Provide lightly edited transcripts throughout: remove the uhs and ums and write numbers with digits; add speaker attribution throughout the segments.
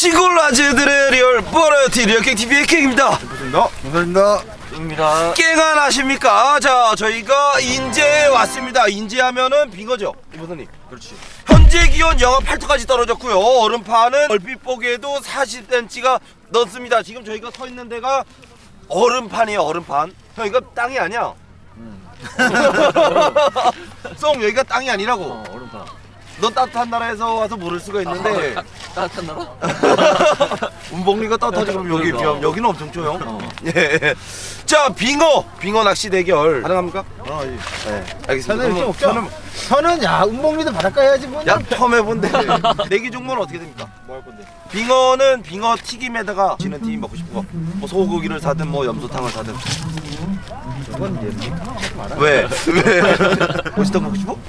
Speaker 1: 시골 아재들의 리얼 버라이어티 리얼깽 TV의 깽입니다.
Speaker 2: 감사합니다.
Speaker 3: 입니다.
Speaker 1: 깽안 아십니까? 자, 저희가 인제에 왔습니다. 인제하면은 빙어죠, 이보선님.
Speaker 3: 그렇지.
Speaker 1: 현재 기온 영하 8도까지 떨어졌고요. 얼음판은 얼핏 보기에도 40cm가 넘습니다. 지금 저희가 서 있는 데가 얼음판이에요, 얼음판. 형, 이거 땅이 아니야. 송, 여기가 땅이 아니라고.
Speaker 3: 얼음판.
Speaker 1: 너 따뜻한 나라에서 와서 모를 수가 있는데
Speaker 3: 따뜻한 나라?
Speaker 1: 운봉리가 따뜻하지 그럼 여기
Speaker 3: 그러니까.
Speaker 1: 비하면 여기는 엄청 조용. 예. 자, 빙어 낚시 대결 가능합니까?
Speaker 2: 예.
Speaker 1: 네, 알겠습니다.
Speaker 2: 저는 없죠. 저는 야 운봉리도 바닷가 해야지 뭐.
Speaker 1: 야, 처음 해본데 내기 종목은 어떻게 됩니까?
Speaker 2: 뭐 할 건데?
Speaker 1: 빙어는 빙어 튀김에다가 지는 팀이 먹고 싶은 거, 뭐 소고기를 사든 뭐 염소탕을 사든.
Speaker 2: 저건 이제
Speaker 1: 왜? 고시떡 먹고 싶어?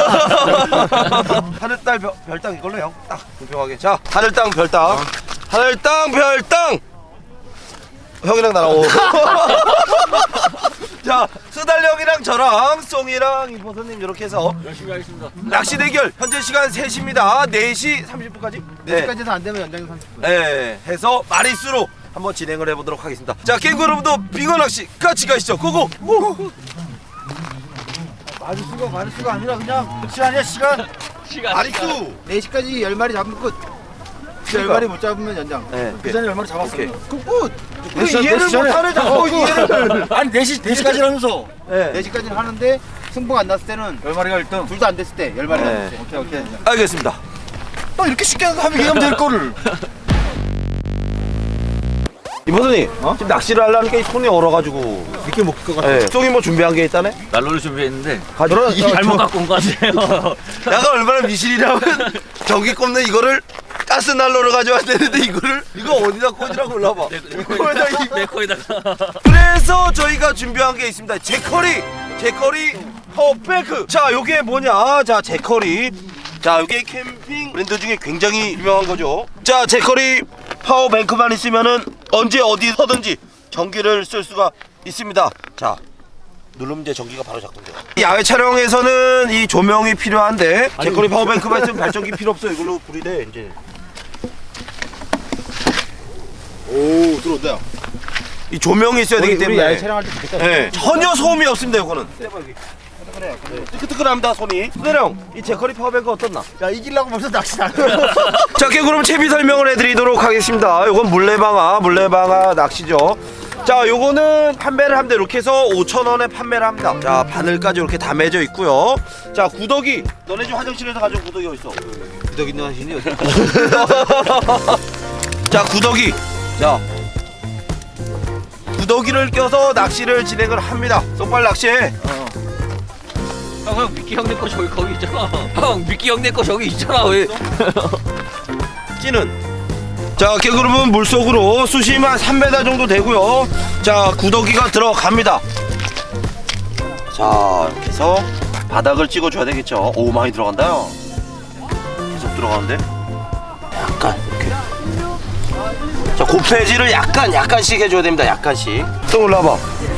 Speaker 1: 하늘땅 별땅 이걸로 형 딱 공평하게. 자, 하늘땅 별땅. 하늘땅 별땅. 형이랑 나랑 오. 자, 수달 형이랑 저랑 송이랑 이보선님 이렇게 해서
Speaker 3: 열심히 하겠습니다.
Speaker 1: 낚시 대결. 현재 시간 3시입니다. 4시 30분까지.
Speaker 2: 4시까지도 안 되면 연장이 30분.
Speaker 1: 네, 해서 마리수로 한번 진행을 해보도록 하겠습니다. 자, 깽구 여러분도 빙어 낚시 같이 가시죠. 고고!
Speaker 2: 마리수가 아니라 그냥 시간이야 시간.
Speaker 1: 마리수!
Speaker 2: 4시까지 10마리 잡으면 끝.
Speaker 1: 그러니까.
Speaker 2: 10마리 못 잡으면 연장.
Speaker 1: 네.
Speaker 2: 그 전에 10마리 잡았어.
Speaker 1: 오케이.
Speaker 2: 그 끝.
Speaker 1: 그 이해를 못하는 자꾸 이해를.
Speaker 2: 아니 4시까지 하면서
Speaker 1: 네.
Speaker 2: 4시까지는 하는데 승부가 안 났을 때는 10마리가 1등. 둘 다 안 됐을 때 10마리가
Speaker 1: 네.
Speaker 2: 됐을 때. 오케이.
Speaker 1: 알겠습니다.
Speaker 2: 또 이렇게 쉽게 하면 얘기하면 될 거를.
Speaker 1: 이보선님, 지금 낚시를 하려는 게 손이 얼어가지고.
Speaker 2: 이렇게 먹을 것 같아.
Speaker 1: 네. 송이 뭐 준비한 게 있다네?
Speaker 3: 난로를 준비했는데
Speaker 1: 가져라.
Speaker 3: 잘못 갖고 온 거 같아요.
Speaker 1: 내가 얼마나 미실이냐면 전기 꼽는 이거를 가스 난로를 가져왔는데 이거 어디다 꽂으라고 올라봐.
Speaker 3: 내 코에다가.
Speaker 1: 그래서 저희가 준비한 게 있습니다. 제커리 파워뱅크. 자, 요게 뭐냐? 자, 제커리. 자, 요게 캠핑 브랜드 중에 굉장히 유명한 거죠. 자, 제커리 파워뱅크만 있으면은 언제 어디 서든지 전기를 쓸 수가 있습니다. 자, 누르면 이제 전기가 바로 작동돼요. 야외 촬영에서는 이 조명이 필요한데 제커리 파워뱅크만 있으면 발전기 필요 없어요. 이걸로 불이 돼 이제.
Speaker 2: 오 들어온다.
Speaker 1: 이 조명이 있어야 되기
Speaker 2: 우리
Speaker 1: 때문에
Speaker 2: 야외 촬영할 때 좋겠다.
Speaker 1: 네, 전혀 소음이 없습니다. 이거는 뜨끈뜨끈합니다. 손이. 수대령, 이 제커리 파워뱅크 어떻나?
Speaker 2: 야 이기려고 벌써 낚시 안 해.
Speaker 1: 자, 그럼 채비 설명을 해드리도록 하겠습니다. 요건 물레방아 낚시죠. 자, 요거는 판매를 합니다. 이렇게 해서 5,000원에 판매를 합니다. 자, 바늘까지 이렇게 다 매져 있고요. 자, 구더기. 너네 집 화장실에서 가져온 구더기 어딨어? 구더기 있는 화장실이 어디? 자, 구더기. 자, 구더기를 껴서 낚시를 진행을 합니다. 쏙발 낚시해.
Speaker 3: 형 미끼 형네 거 저기 거기 있잖아. 형 미끼 형네 거 저기 있잖아. 왜?
Speaker 1: 찌는. 자, 개그룹은 물속으로 수심 한 3m 정도 되고요. 자, 구더기가 들어갑니다. 자, 이렇게 해서 바닥을 찍어줘야 되겠죠. 오, 많이 들어간다요. 계속 들어가는데 약간 이렇게. 자, 고패질을 약간씩 해줘야 됩니다. 약간씩. 또 올라와봐.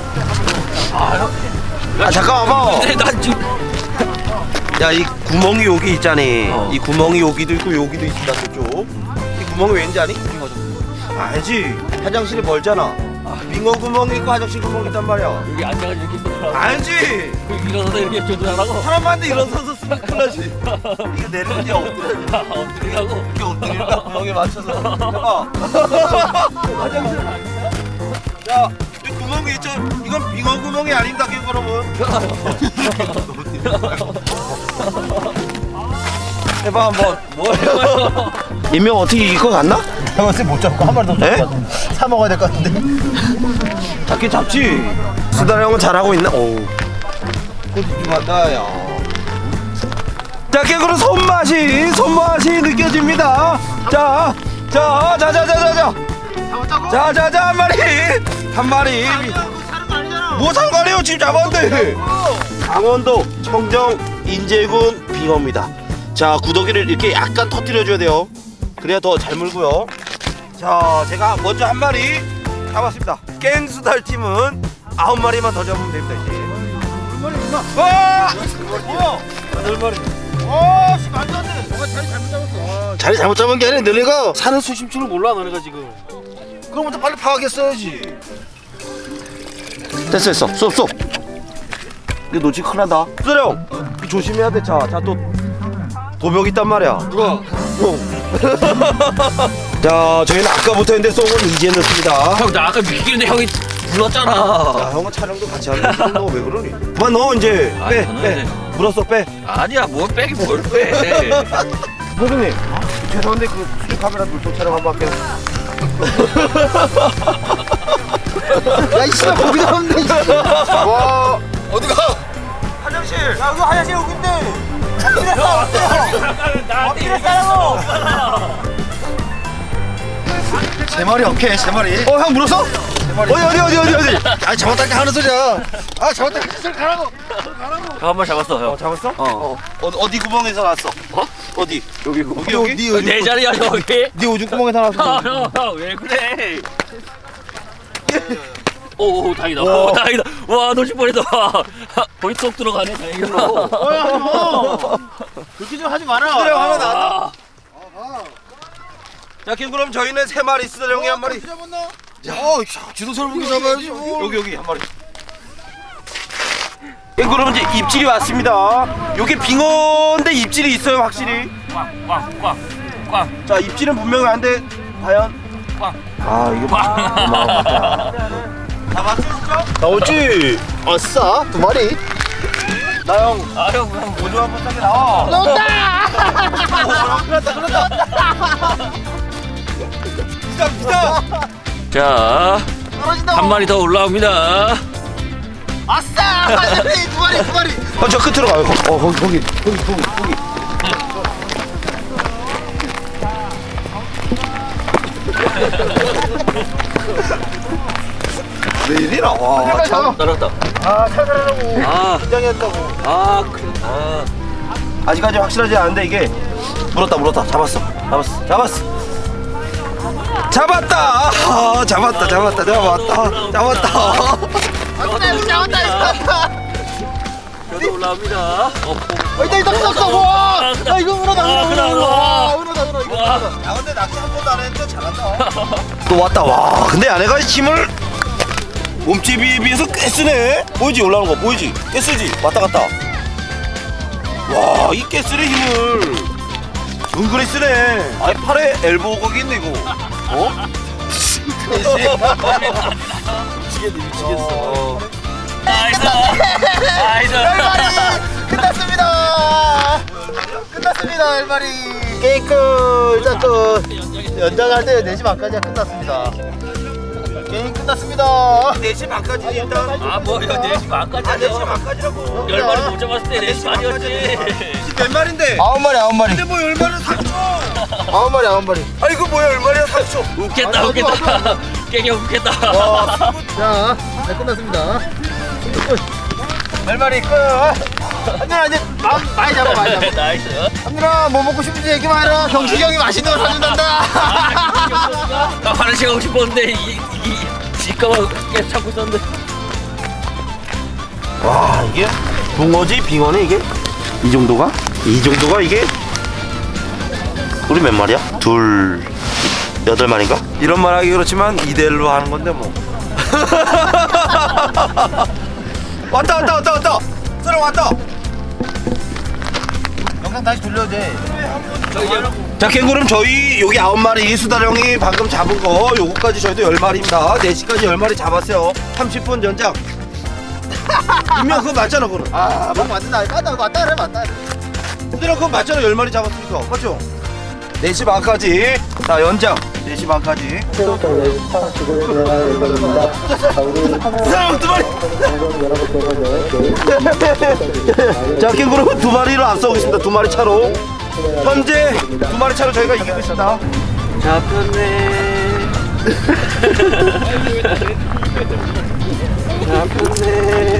Speaker 1: 아, 잠깐 와봐.
Speaker 3: 난 지금
Speaker 1: 야, 이 구멍이 여기 있잖니. 이 구멍이 여기도 있고 여기도 있다. 저쪽. 이 구멍이 왠지 아니? 빙어 좀. 알지. 화장실이 멀잖아. 빙어 구멍이 있고 화장실 구멍이 있단 말이야.
Speaker 3: 여기 앉아가지고 이렇게 있어.
Speaker 1: 알지.
Speaker 3: 일어나서 이렇게 조절하라고.
Speaker 1: 사람한테 일어서서 쓰면 큰일 나지. 이거 내려오지 엎드려야지.
Speaker 3: 엎드리라고.
Speaker 1: 이렇게 엎드리니까 구멍에 맞춰서 해봐. 화장실. 야, 이 구멍이 있죠? 이건 빙어 구멍이 아닙니다, 여러분. 해봐 한번.
Speaker 3: 뭐예요?
Speaker 1: 인명 어떻게 이길 것 같나?
Speaker 2: 내가 봤을 때못 잡고 한 마리 더
Speaker 1: 에?
Speaker 2: 잡고 사 먹어야 될 것 같은데.
Speaker 1: 잡긴 잡지. 수달 형은 잘하고 있나? 오. ቁ집집한다, 야. 자, 깨구로 손맛이 느껴집니다. 자, 한 마리. 뭐 상관해요? 지금 잡았는데. 강원도 청정 인제군 빙어입니다. 자, 구더기를 이렇게 약간 터뜨려줘야 돼요. 그래야 더 잘 물고요. 자, 제가 먼저 한 마리 잡았습니다. 깽수달 팀은 9마리만 더 잡으면 됩니다. 이제.
Speaker 2: 얼마나 있나?
Speaker 1: 와! 뭐야? 8마리.
Speaker 2: 오, 씨 말도 안 돼. 자리 잘못 잡았어.
Speaker 1: 자리 잘못 잡은 게 아니라 너네가 산을 수심 줄을 몰라 너네가 지금. 그럼부터 빨리 파악했어야지. 됐어 쏙. 이거 놓치면 큰일 난다. 수령 조심해야 돼. 자 또 도벽 있단 말이야.
Speaker 2: 누가?
Speaker 1: 자 저희는 아까부터 했는데 쏙은 이제 넣습니다.
Speaker 3: 형 나 아까 미끼는데 형이 불렀잖아.
Speaker 1: 야 형은 촬영도 같이 하는데 너 왜 그러니? 그만 넣어 이제. 빼. 물었어 빼.
Speaker 3: 아니야 뭘 빼기 뭘 빼.
Speaker 1: 선생님 죄송한데 그 수중 카메라 물통 촬영 한번 할게요.
Speaker 2: 야 이씨가 거기다 없네. 와 어디가?
Speaker 1: 화장실.
Speaker 2: 야 여기 화장실 여기인데. 엎드려 싸라고. 제 머리 오케이 제 머리.
Speaker 1: 형 물었어? 어디?
Speaker 2: 아 잡았다니까 하는 소리야. 아 잡았다니까 소리 가라고.
Speaker 3: 형 한 번 잡았어 형.
Speaker 1: 잡았어? 어디 구멍에서 났어? 어디? 여기
Speaker 3: 내 자리야 여기.
Speaker 1: 네 오줌 구멍에서 났어.
Speaker 3: 형 왜 그래? 오 다행이다. 오 다행이다. 와 놓칠 뻔했다. 거의 쏙 들어가네 다행이다.
Speaker 2: 그렇게 좀 하지 마라.
Speaker 1: 수령 하나 나왔다. 자, 그럼 저희는 3마리 수령이 한 마리.
Speaker 2: 잡았나? 지도서를 보기 잡아야지.
Speaker 1: 여기 한 마리. 예, 그럼 이제 입질이 왔습니다. 요게 빙어인데 입질이 있어요 확실히.
Speaker 3: 꽝.
Speaker 1: 자, 입질은 분명히 안 돼. 과연?
Speaker 3: 꽝.
Speaker 1: 아 이거 고마워. 잡았어 진짜?
Speaker 2: 나오지. 아싸 2마리.
Speaker 1: 나형
Speaker 3: 형
Speaker 1: 오줌 한번 싸게 나와. 기다.
Speaker 3: 자,
Speaker 2: 떨어진다.
Speaker 3: 한 마리 더 올라옵니다.
Speaker 2: 아싸 2마리.
Speaker 1: 저 끝으로 가요. 거기. 왜 이리라? 와, 참.
Speaker 3: 날았다.
Speaker 2: 찾아라고.
Speaker 3: 아,
Speaker 2: 긴장했다고.
Speaker 1: 아직까지 확실하지 않은데 이게 물었다. 잡았다. 잡았다.
Speaker 3: 여기 올라옵니다.
Speaker 2: 있다 떴어. 와. 야 이거 은어다.
Speaker 3: 은어.
Speaker 1: 야, 근데 낚시 한 번도 안 했는데 잘한다. 또 왔다. 와, 근데 아내가 힘을 몸집에 비해서 꽤 쓰네. 보이지? 올라오는 거 보이지? 꽤 쓰지? 왔다 갔다. 와, 이 꽤 쓰네 힘을. 은근히 쓰네. 아니 팔에 엘보 거기 있네 이거. 미치겠어.
Speaker 3: 나이스.
Speaker 2: 끝났습니다 1마리. 게임 끝. 일단 또 연장할 때 4시 반까지가 끝났습니다. 게임 끝났습니다.
Speaker 1: 4시 반까지 일단.
Speaker 3: 뭐 이거 4시 반까지 하죠.
Speaker 1: 4시 반까지라고.
Speaker 3: 10마리 못 잡았을 때 4시 반이었지.
Speaker 1: 몇 마리인데?
Speaker 2: 9마리.
Speaker 1: 근데 뭐 10마리는 3초.
Speaker 2: 9마리.
Speaker 1: 아니 이거 뭐야 10마리야 3초.
Speaker 3: 웃겠다. 깨게 웃겠다.
Speaker 2: 자, 네, 끝났습니다. 10마리 끝. 한준아 이제 많이 잡아.
Speaker 3: 나이스.
Speaker 2: 한준아 뭐 먹고 싶은지 얘기만 해라. 경식이 형이 맛있는 거 사준단다.
Speaker 3: 나 화장실 가고 싶었는데 이 집가만 계속 찾고 있었는데.
Speaker 1: 와 이게 붕어지 빙어네 이게 이 정도가 이게 우리 몇 마리야? 8마리인가? 이런 말 하기 그렇지만 2대1로 하는 건데 뭐. 왔다 사람 왔다.
Speaker 2: 영상 다시 돌려도 돼.
Speaker 1: 자 캥거룸 저희 여기 9마리 수다령이 방금 잡은 거 요거까지 저희도 10마리입니다 4시까지 10마리 잡았어요 30분 연장. 분명 그거 맞잖아 그거는.
Speaker 2: 뭐 맞는다. 맞다 그래.
Speaker 1: 수다령 그거 맞잖아 10마리 잡았으니까 맞죠? 4시 반까지 자 연장 4시 반까지 사람 2마리. 자 캥거룸 2마리를 앞서고 있습니다 2마리 차로 현재 2마리 차로 저희가 이기고 있습니다.
Speaker 3: 잡혔네.
Speaker 1: 잡혔네.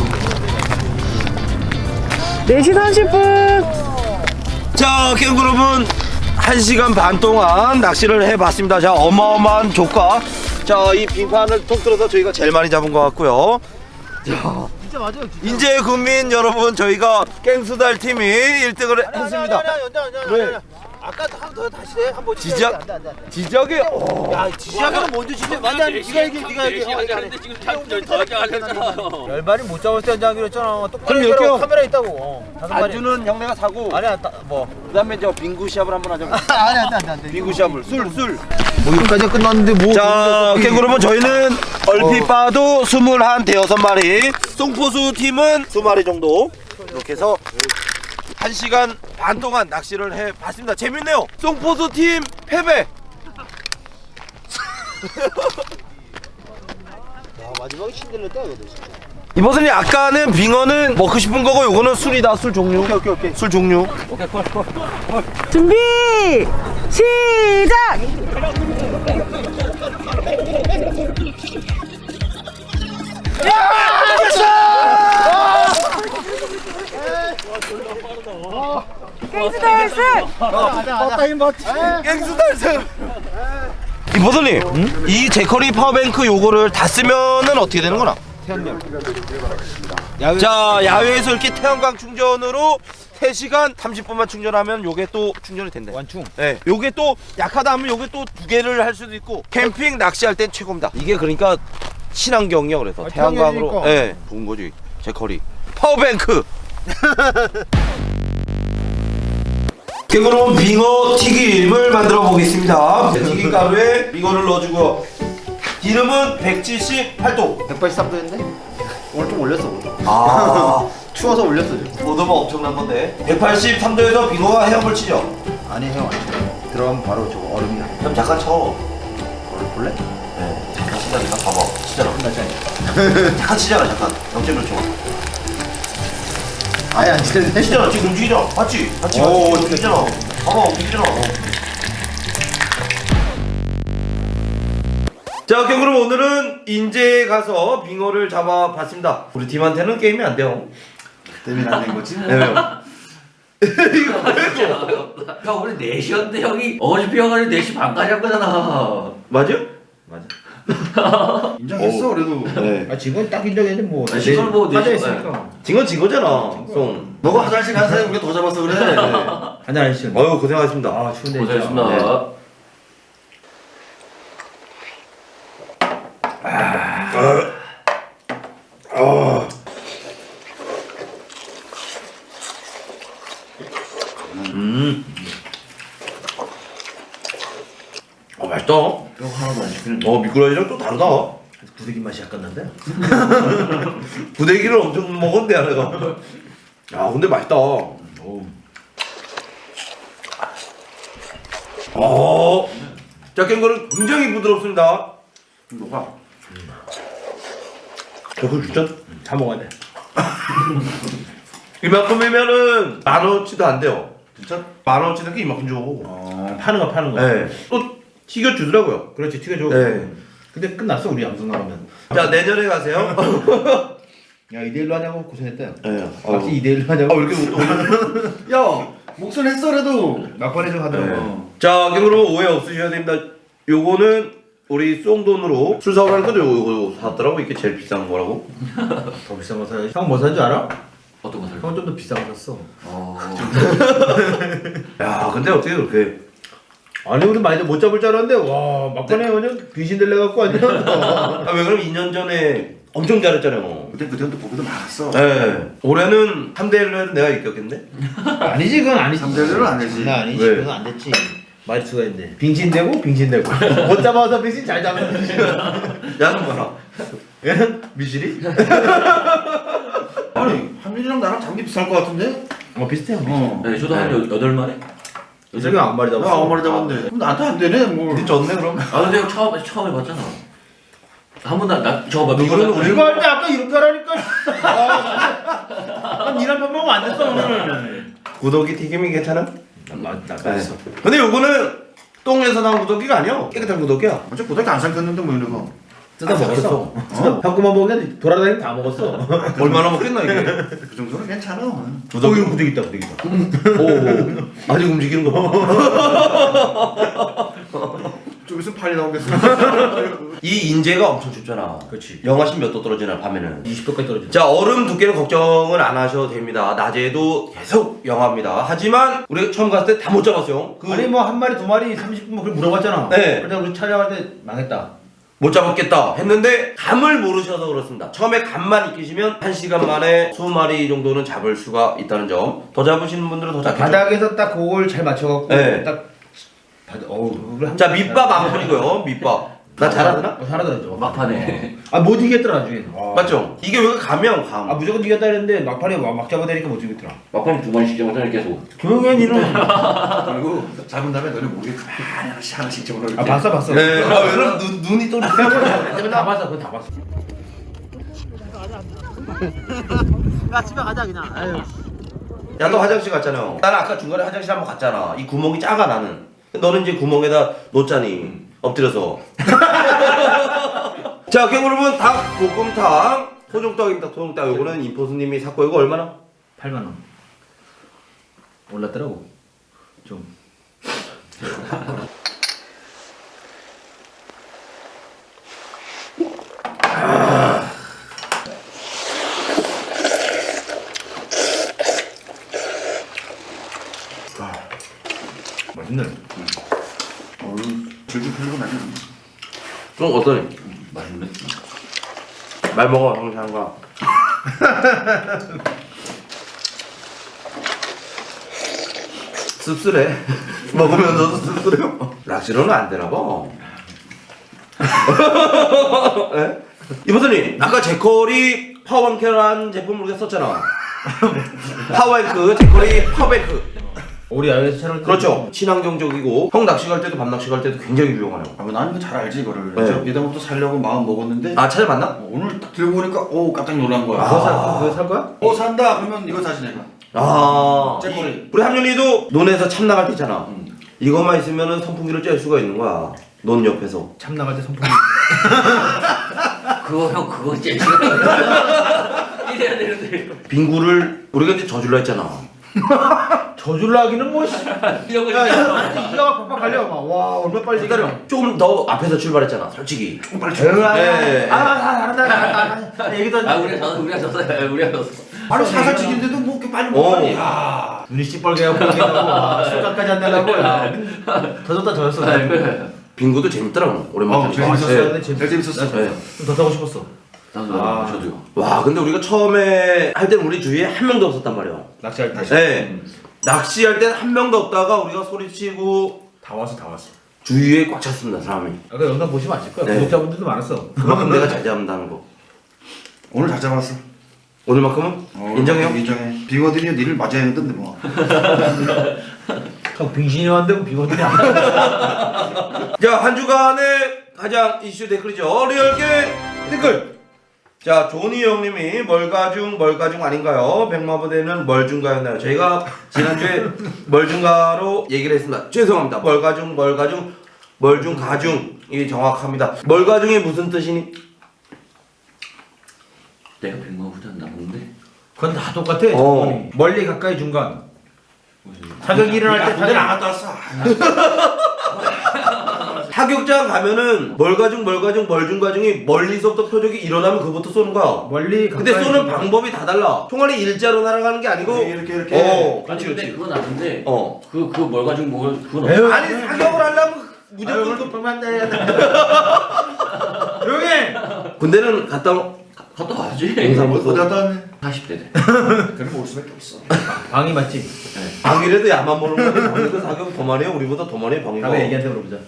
Speaker 4: 4시 30분.
Speaker 1: 자, 캥거룸은 1시간 반 동안 낚시를 해봤습니다. 자, 어마어마한 조과. 자, 이 빙판을 통틀어서 저희가 제일 많이 잡은 것 같고요. 자,
Speaker 2: 진짜 맞아요. 진짜.
Speaker 1: 인제 국민 여러분, 저희가 갱수달 팀이 1등을 했습니다. 왜?
Speaker 2: 아까 한 더 다시 해. 한번
Speaker 1: 지적?
Speaker 2: 안돼.
Speaker 1: 지적이
Speaker 2: 야 지지하면 먼저 지적. 안돼 네가 얘기 네가 얘기.
Speaker 3: 하는데 지금 더 하잖아요.
Speaker 2: 열발이 못 잡을 때 연장하기로 했잖아. 똑바로
Speaker 1: 그럼
Speaker 2: 해라.
Speaker 1: 여기요.
Speaker 2: 카메라 있다고. 다섯 마리.
Speaker 1: 안주는 형네가 사고,
Speaker 2: 아니야 뭐.
Speaker 1: 그다음에 저 빙구 시합을 한번 하자.
Speaker 2: 아니 안돼.
Speaker 1: 빙구 시합을 술.
Speaker 2: 뭐 여기까지 끝났는데 뭐.
Speaker 1: 자, 캥거루면 저희는 얼핏 봐도 21, 대여섯 마리, 송포수 팀은 2마리 정도 이렇게 해서 1시간 반 동안 낚시를 해봤습니다. 재밌네요. 송포수 팀 패배.
Speaker 2: 야 마지막에 신들렸다 이거 진짜.
Speaker 1: 이버섯이 아까는 빙어는 먹고 싶은 거고, 요거는 술이다. 술 종류.
Speaker 2: 오케이.
Speaker 1: 술 종류.
Speaker 4: 준비 시작. 갱스 달스.
Speaker 1: 갱수 달성. 이버섯님, 이 제커리 파워뱅크 요거를 다 쓰면은 어떻게 되는 거나? 자, 야외에서 이렇게 태양광 충전으로 3시간 30분만 충전하면 요게 또 충전이 된대.
Speaker 2: 완충.
Speaker 1: 네, 요게 또 약하다 하면 요게 또 2개를 할 수도 있고, 캠핑 낚시할 땐 최고입니다. 이게 그러니까 친환경이요. 그래서 태양광으로
Speaker 2: 태양광이니까.
Speaker 1: 좋은 거지. 제커리 파워뱅크. 그럼 빙어 튀김을 만들어 보겠습니다. 튀김 가루에 빙어를 넣어주고, 기름은 178도.
Speaker 2: 183도인데 오늘 좀 올렸어.
Speaker 1: 아,
Speaker 2: 추워서 올렸어.
Speaker 1: 오도가 엄청난 건데. 183도에서 빙어가 헤엄을 치죠.
Speaker 2: 아니 형 아니. 들어가면 바로 저거 얼음이 나.
Speaker 1: 그럼 잠깐 쳐.
Speaker 2: 얼음 볼래?
Speaker 1: 네, 잠깐 치자니까 봐봐. 치잖아. 잠깐 치잖아. 잠깐. 0.1초.
Speaker 2: 아니 안 치는데.
Speaker 1: 치잖아. 지금 움직이잖아. 맞지? 맞지?
Speaker 2: 오,
Speaker 1: 움직이잖아. 봐봐, 움직이잖아. 자, 그럼 오늘은 인제에 가서 빙어를 잡아봤습니다. 우리 팀한테는 게임이 안 돼요.
Speaker 2: 때문에 안 된 거지?
Speaker 1: 네, 왜요?
Speaker 3: 형 우리 4시였는데 형이 어차피 형은 4시 반까지 한 거잖아.
Speaker 1: 맞아요?
Speaker 2: 인정했어 그래도.
Speaker 1: 네.
Speaker 2: 아 지금 딱 인정했는데 뭐.
Speaker 3: 아, 지금 뭐
Speaker 2: 하자
Speaker 3: 네
Speaker 2: 했으니까.
Speaker 1: 진 거잖아. 송.
Speaker 2: 너가 화장실 간 사람이 우리가 더 잡았어 그래. 한잔 하시죠.
Speaker 1: 어휴, 고생하셨습니다.
Speaker 2: 아 추운데.
Speaker 3: 고생했습니다.
Speaker 1: 네. 맛있다.
Speaker 2: 뼈 하나도 안 시키는데.
Speaker 1: 미꾸라지랑 또 다르다.
Speaker 2: 부대기 맛이 약간 난데.
Speaker 1: 부대기를 엄청 먹었는데, 내가. 야, 근데 맛있다. 짝갱거는 굉장히 부드럽습니다.
Speaker 2: 녹아.
Speaker 1: 저거 진짜
Speaker 2: 다 먹어야 돼.
Speaker 1: 이만큼이면은 10,000원치도 안 돼요. 진짜 10,000원치는 이만큼 줘.
Speaker 2: 파는 거.
Speaker 1: 네. 또 튀겨주더라고요.
Speaker 2: 그렇지 튀겨줘.
Speaker 1: 네.
Speaker 2: 근데 끝났어 우리 양성 나가면.
Speaker 1: 자, 내년에 가세요.
Speaker 2: 야 2대1로 하냐고 고생했다.
Speaker 1: 네.
Speaker 2: 막지 2대1로 하냐고.
Speaker 1: 왜 이렇게 또
Speaker 2: 야 목소리 했어라도 막판에 좀 하더라고.
Speaker 1: 네. 자, 그럼 오해 없으셔야 됩니다. 요거는 우리 쏜돈으로 술 사오라는 거죠. 요거 샀더라고. 이게 제일 비싼 거라고.
Speaker 2: 더 비싼 거 사야지. 형 뭐 산 줄 알아?
Speaker 3: 어떤 거 살까?
Speaker 2: 형은 좀 더 비싼 거 샀어.
Speaker 1: 야, 근데 어떻게 그렇게.
Speaker 2: 아니 우리 많이들 못 잡을 줄 알았는데 와 막판에 완전 귀신 들려 갖고 완전.
Speaker 1: 아, 왜 그러면 2년 전에 엄청 잘했잖아요.
Speaker 2: 그때는 또 보기도 많았어.
Speaker 1: 네. 올해는 3대1로 해도 내가 이겼겠네?
Speaker 2: 아니지 그건 아니지.
Speaker 5: 3대1은 안 되지.
Speaker 2: 나 아니지.
Speaker 1: 왜?
Speaker 2: 그건 안 됐지. 마리수가 있네. 빙신되고 빙신되고. 못 잡아서 빙신 잘 잡는 빙신.
Speaker 1: 야는 봐라.
Speaker 2: 얘는 미실이?
Speaker 5: 아니 한민이랑 나랑 잡기 비쌀 것 같은데?
Speaker 2: 비슷해요.
Speaker 3: 네, 저도 한 8마리?
Speaker 2: 저기 아무 말이
Speaker 5: 내가
Speaker 2: 잡았어.
Speaker 5: 아무 말이 잡았는데 그럼 나한테 안 되네 뭘.
Speaker 1: 근데 졌네 그럼.
Speaker 3: 아 근데 형 처음 해봤잖아. 한 번도 저거 봐.
Speaker 2: 이거 할 때 아까 이렇게 하라니까. 니랑 밥 먹으면 안 됐어 오늘.
Speaker 1: 구더기 튀김이 괜찮아?
Speaker 2: 나
Speaker 1: 네. 근데 요거는 똥에서 나온 구더기가 아니야. 깨끗한 구더기야.
Speaker 5: 어째 고등학교 안 삼켰는데 뭐 이런 거.
Speaker 2: 뜯어 먹었어. 형 거만 먹으면 돌아다니면 다 먹었어.
Speaker 1: 얼마나 먹겠나 이게.
Speaker 5: 그 정도는 괜찮아.
Speaker 2: 구더기 구더기 있다 구더기 있다.
Speaker 1: 오, 아직 움직이는 거 봐.
Speaker 5: 좀 있으면 팔이 나오겠어.
Speaker 1: 이 인제가 엄청 춥잖아.
Speaker 2: 그렇지.
Speaker 1: 영하신 몇 도 떨어지나 밤에는.
Speaker 2: 20도까지 떨어져.
Speaker 1: 자, 얼음 두께는 걱정은 안 하셔도 됩니다. 낮에도 계속 영하입니다. 하지만 우리가 처음 갔을 때 다 못 잡았어요.
Speaker 2: 아니 뭐 한 마리 두 마리 30분 뭐 그걸 물어봤잖아.
Speaker 1: 네.
Speaker 2: 근데 우리 촬영할 때 망했다.
Speaker 1: 못 잡았겠다 했는데 감을 모르셔서 그렇습니다. 처음에 감만 익히시면 1시간 만에 20마리 정도는 잡을 수가 있다는 점. 더 잡으시는 분들은 더 잡겠죠.
Speaker 2: 바닥에서 딱 그걸 잘 맞춰갖고
Speaker 1: 네.
Speaker 2: 딱
Speaker 1: 자, 밑밥 안 풀이고요. 밑밥. 나 잘하더라?
Speaker 2: 잘하더라죠.
Speaker 3: 막판에.
Speaker 2: 못 이겼더라 나중에.
Speaker 1: 맞죠? 이게 왜 가면 감.
Speaker 2: 무조건 이겼다 했는데 막판에 막 잡아대니까 못 이겼더라.
Speaker 3: 막판에 2번씩 잡았잖아 계속.
Speaker 2: 조용히 니는.
Speaker 5: 그리고 잡은 다음에 너네 모르게 가만히 하나씩 집어넣어.
Speaker 2: 봤어.
Speaker 1: 네. 그럼 눈이 또
Speaker 2: 다 봤어. 그건 다 봤어. 야 집에 가자 그냥. 아유.
Speaker 1: 야, 너 화장실 갔잖아요. 나는 아까 중간에 화장실 한번 갔잖아. 이 구멍이 작아 나는. 너는 이제 구멍에다 놓자니 엎드려서. 자, 그럼 여러분 닭 볶음탕 소중떡입니다. 소중떡 요거는 임포수님이 샀고 이거 얼마나?
Speaker 2: 8만 원. 올랐더라고. 좀. 맛있네.
Speaker 5: 즐길 필요가 나네.
Speaker 1: 좀 어떠니?
Speaker 3: 맛있네.
Speaker 1: 말 먹어 형상과. 씁쓸해. 먹으면서도 씁쓸해요. 락시로는 안 되나 봐. 네? 이보선님 아까 제컬이 파워뱅크라는 제품을 우리가 썼잖아. 파워뱅크 제컬이 파워뱅크.
Speaker 2: 우리 야외에서 촬영할 때.
Speaker 1: 그렇죠. 친환경적이고 형 낚시 갈 때도 밤 낚시 갈 때도 굉장히 유용하네요.
Speaker 5: 난 이거 잘 알지 이거를.
Speaker 1: 네.
Speaker 5: 예전부터 살려고 마음 먹었는데
Speaker 1: 아 찾아봤나?
Speaker 5: 오늘 딱 들고 보니까 오 깜짝 놀란 거야.
Speaker 2: 그거 살 거야?
Speaker 5: 산다 그러면 이거 사지 내가.
Speaker 1: 아
Speaker 5: 째꼬리.
Speaker 1: 우리 함윤이도 논에서 참 나갈 때 있잖아. 이것만 있으면은 선풍기를 쬐 수가 있는 거야. 논 옆에서.
Speaker 2: 참 나갈 때 선풍기.
Speaker 3: 그거 형 그거 제일 싫어. 이래야 되는데.
Speaker 1: 빙구를 우리가 이제 저줄라 했잖아.
Speaker 2: 저줄라 하기는 뭐.
Speaker 3: 이러고
Speaker 2: 야, 이가 막 팍팍 갈려. 와, 얼마 빨리 기다려.
Speaker 1: 조금 더 앞에서 출발했잖아. 솔직히.
Speaker 5: 빨리
Speaker 1: 네.
Speaker 2: 얘기도
Speaker 3: 우리가 졌어.
Speaker 5: 바로 사살치기인데도 뭐 이렇게 빨리 먹어.
Speaker 1: 어.
Speaker 5: 야.
Speaker 2: 눈이 시뻘게 하고 술값까지 안 내려고. 더 줬다 더 줬어.
Speaker 1: 빙구도 재밌더라고. 오랜만에.
Speaker 5: 재밌었어요.
Speaker 1: 네.
Speaker 5: 제일 재밌었어.
Speaker 1: 네.
Speaker 2: 더 타고 싶었어.
Speaker 3: 저도요.
Speaker 1: 와 근데 우리가 처음에 할 때는 우리 주위에 한 명도 없었단 말이야.
Speaker 2: 낚시할 때.
Speaker 1: 네. 낚시할 때는 한 명도 없다가 우리가 소리치고
Speaker 2: 다 왔어.
Speaker 1: 주위에 꽉 찼습니다 사람이.
Speaker 2: 아까 영상 보시면 아실 거야.
Speaker 1: 네.
Speaker 2: 구독자분들도 많았어.
Speaker 1: 그만큼 내가 잘 잡는다는 거.
Speaker 5: 오늘 잘 잡았어.
Speaker 1: 오늘만큼은 인정해요?
Speaker 5: 인정해. 빙어들이 니를 맞아야 했던데 뭐.
Speaker 2: 형 빙신이 왔는데 빙어들이 안.
Speaker 1: 자, 한 주간의 가장 이슈 댓글이죠. 리얼게 댓글. 자, 조니 형님이 멀가중 아닌가요? 백마부대는 멀중가였나요? 저희가 지난주에 멀중가로 얘기를 했습니다. 죄송합니다. 멀중가중이 정확합니다. 멀가중이 무슨 뜻이니?
Speaker 3: 내가 100만 후전 나오는데.
Speaker 2: 그건 다 똑같아. 조건이. 멀리 가까이 중간. 사격이 일어날 때 다들 안
Speaker 5: 갔다 왔어.
Speaker 1: 타격장 가면은 멀중가중이 멀리서부터 표적이 일어나면 그부터 쏘는 거야.
Speaker 2: 멀리 가까이.
Speaker 1: 근데 쏘는
Speaker 2: 중간.
Speaker 1: 방법이 다 달라. 총알이 일자로 날아가는 게 아니고
Speaker 5: 이렇게.
Speaker 1: 그렇지.
Speaker 3: 근데 그건 아는데.
Speaker 1: 어.
Speaker 3: 그거 뭘 가지고 뭐 그건
Speaker 2: 에휴.
Speaker 1: 아니 사격을 하려면 무조건
Speaker 2: 무조건 그만 돼. 조용히.
Speaker 1: 군대는 갔다
Speaker 3: 와야지.
Speaker 1: 용사무소
Speaker 5: 어디 갔다 왔네.
Speaker 3: 40대 돼.
Speaker 5: 그럼 올 수밖에 없어.
Speaker 2: 방이 맞지?
Speaker 1: 방이라도 야만 모르는 거지. 방이도 사격 더 많이 해. 우리보다 더 많이 해 방이가.
Speaker 2: 다음에 애기한테 물어보자.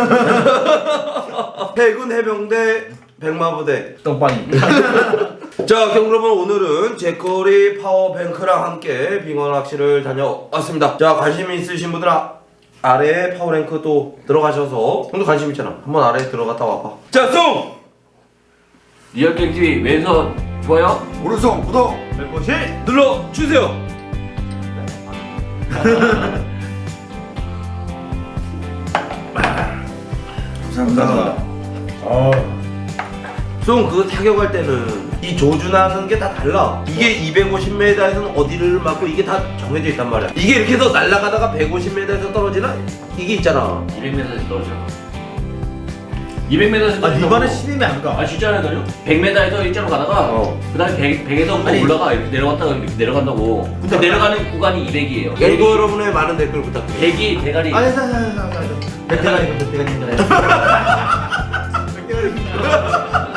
Speaker 1: 해군 해병대 백마부대.
Speaker 2: 똥방이.
Speaker 1: 자, 여러분 오늘은 제커리 파워뱅크랑 함께 빙어 낚시를 다녀왔습니다. 자, 관심 있으신 분들 아래에 파워랭크 또 들어가셔서 형도 관심 있잖아. 한번 아래에 들어갔다 와봐. 자, 송!
Speaker 3: 리얼게임 TV 왼손 좋아요.
Speaker 5: 오른손 구독.
Speaker 2: 벨포시.
Speaker 1: 눌러주세요.
Speaker 5: 감사합니다.
Speaker 1: 송 그거 타격할 때는 이 조준하는 게 다 달라. 이게 250m에서는 어디를 맞고 이게 다 정해져 있단 말이야. 이게 이렇게 해서 날아가다가 150m에서 떨어지나? 이게 있잖아.
Speaker 3: 200m에서 떨어져. 200m에서
Speaker 2: 아 니바는 12면 안 가.
Speaker 3: 아 진짜라니까요? 100m에서 일자로 가다가 그다음에 100에서
Speaker 2: 아니.
Speaker 3: 올라가 이렇게 내려갔다가 이렇게 내려간다고. 근데 내려가는 구간이 200이에요.
Speaker 1: 갱구 여러분의 많은 댓글 부탁드립니다.
Speaker 3: 100이 대가리.
Speaker 2: 아니 대가리.